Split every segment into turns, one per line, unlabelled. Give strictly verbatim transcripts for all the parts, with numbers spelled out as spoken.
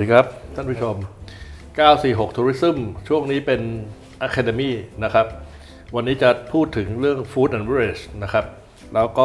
ดีครับท่านผู้ชมเก้าสี่หก Tourism ช่วงนี้เป็น Academy นะครับวันนี้จะพูดถึงเรื่อง Food and Beverage นะครับแล้วก็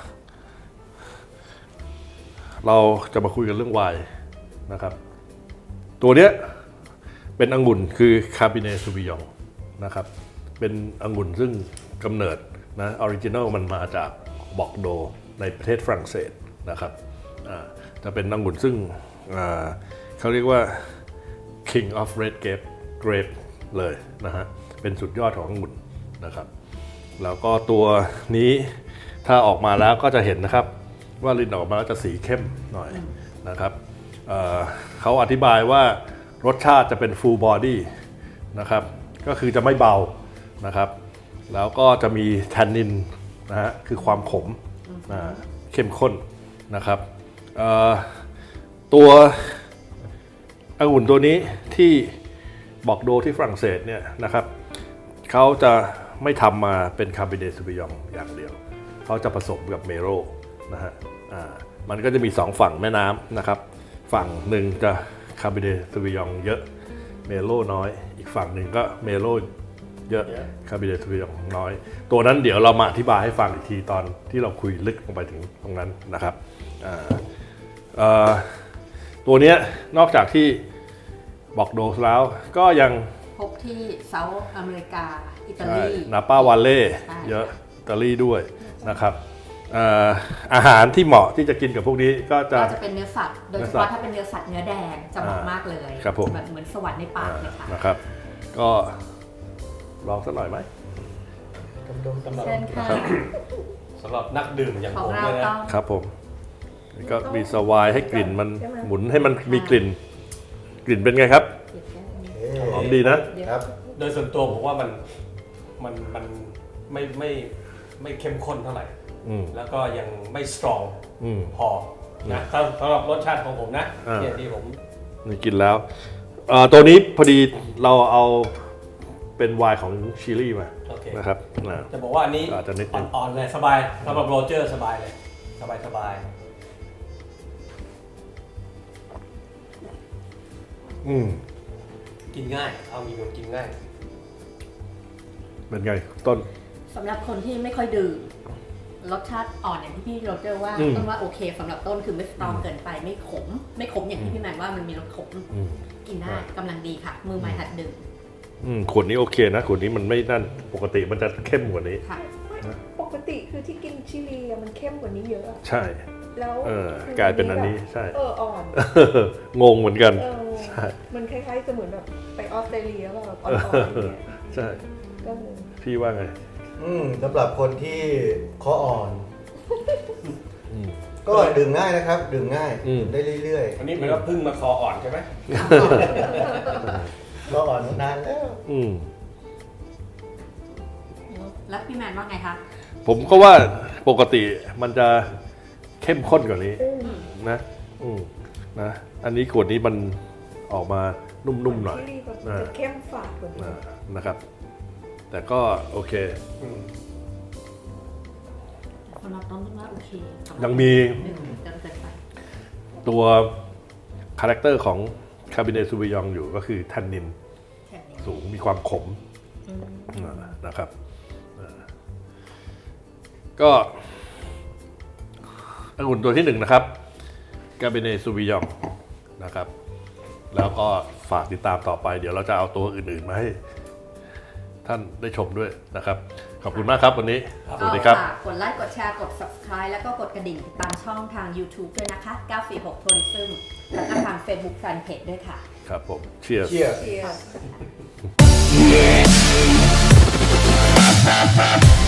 เราจะมาคุยกันเรื่องไวน์นะครับตัวเนี้ยเป็นองุ่นคือ Cabernet Sauvignon นะครับเป็นองุ่นซึ่งกำเนิดนะออริจินัลมันมาจากบอกโดในประเทศฝรั่งเศสนะครับจะเป็นองุ่นซึ่งเขาเรียกว่า King of Red Grape Grape เลยนะฮะเป็นสุดยอดขององุ่นนะครับแล้วก็ตัวนี้ถ้าออกมาแล้วก็จะเห็นนะครับว่าลิ้นออกมาแล้วจะสีเข้มหน่อยนะครับ เอ่อ เขาอธิบายว่ารสชาติจะเป็น full body นะครับก็คือจะไม่เบานะครับแล้วก็จะมีแทนนินนะฮะคือความขมนะเข้มข้นนะครับตัวองุ่นตัวนี้ที่บอกโดที่ฝรั่งเศสเนี่ยนะครับเขาจะไม่ทำมาเป็นคาร์บิเนซูบิยองอย่างเดียวเขาจะผสมกับเมโรนะฮะอ่ามันก็จะมีสองฝั่งแม่น้ำนะครับฝั่งหนึ่งจะคาร์บิเนซูบิยองเยอะเมโรน้อยอีกฝั่งหนึ่งก็เมโรเยอะคาร์บิเนซูบิยองน้อยตัวนั้นเดี๋ยวเรามาอธิบายให้ฟังอีกทีตอนที่เราคุยลึกลงไปถึงตรงนั้นนะครับอ่าอ่าตัวนี้นอกจากที่บอกโดแล้วก็ยัง
พบที่เซาท์อเมริกาอิตาลี
นาป้าวาเล่เยอะอิตาลีด้วยนะครับอาหารที่เหมาะที่จะกินกับพวกนี้ก็จะ
จะเป็นเนื้อสัตว์โดยเฉพาะถ้าเป็นเนื้อสัตว์เนื้อแดงจะเหมาะมากเลยแบบเหมือนสวรรค์ในปากเลยค่ะ
นะครับก็ลองสักหน่อยไหม
เชิญค่ะ
สำหรับนักดื่มอย่างผมเลย
นะครับผมก็มีสวายให้กลิ่นมันหมุนให้มันมีกลิ่นกลิ่นเป็นไงครับหอมดีนะครับ
โดยส่วนตัวผมว่ามันมันมันไม่ไม่ไม่เข้มข้นเท่าไหร่แล้วก็ยังไม่สตรองพอนะสำหรับรสชาติของผมนะเนี่ยที่ผม
นี่กินแล้วตัวนี้พอดีเราเอาเป็นไวน์ของชิลีมานะครับ
จะบอกว่าอันนี้อ่อนๆเลยสบายสำหรับโรเจอร์สบายเลยสบายสบาย
อืม
กินง่ายเอามีคนกินง่าย
เป็นไงต้น
สำหรับคนที่ไม่ค่อยดื่มรสชาติอ่อนอย่างที่พี่โรเจอร์ว่าต้นว่าโอเคสำหรับต้นคือไม่สตรองเกินไปไม่ขมไม่ขมอย่างที่พี่แมนว่ามันมีรสขมกินได้กำลังดีค่ะมือใหม่หัดดื่ม
ขวดนี้โอเคนะขวดนี้มันไม่นั่นปกติมันจะเข้มกว่านี้
ปกติคือที่กินชิลีมันเข้มกว่านี้เยอะ
ใช่
แล้ว
กลายเป็นอันนี้ใช่
เอออ่อน
งงเหมือนกัน
ใช่มันคล้ายๆจะเหมือนแบบไปออสเตรเลียแบบอ่อนๆอย่างเงี้ย
ใช่พี่ว่าไง
อืมสำหรับคนที่คออ่อนก็ดื่มง่ายนะครับดื่มง่ายได้เรื่อย
ๆอันนี้มันก็พึ่งมาคออ่อนใช่ไหม
คออ่อนนานแล้ว
แล้วพี่แมนว่าไงคะ
ผมก็ว่าปกติมันจะเข้มข้นกว่านี้นะนะอันนี้ขวดนี้มันออกมานุ่มๆหน่อย
เข้มฝาดกว่านี้
นะครับแต่ก็โอเค
สำหรับต้นว่าโอเค
ยังมีตัวคาแรคเตอร์ของคาร์บิเนซูบิยองอยู่ก็คือแทนนินสูงมีความขมนะครับก็องุ่นตัวที่หนึ่งนะครับคาร์บิเนซูบิยองนะครับแล้วก็ฝากติดตามต่อไปเดี๋ยวเราจะเอาตัวอื่นๆมาให้ท่านได้ชมด้วยนะครับขอบคุณมากครับวันนี้สวัสดีครับ
กดไลค์กดแชร์กด ซับสไครบ์ แล้วก็กดกระดิ่งติดตามช่องทาง ยูทูบ ด้วยนะคะเก้าสี่หก Tourism แล้วก็ทาง Facebook Fanpage ด้วยค่ะ
ครับผม Cheers
Cheers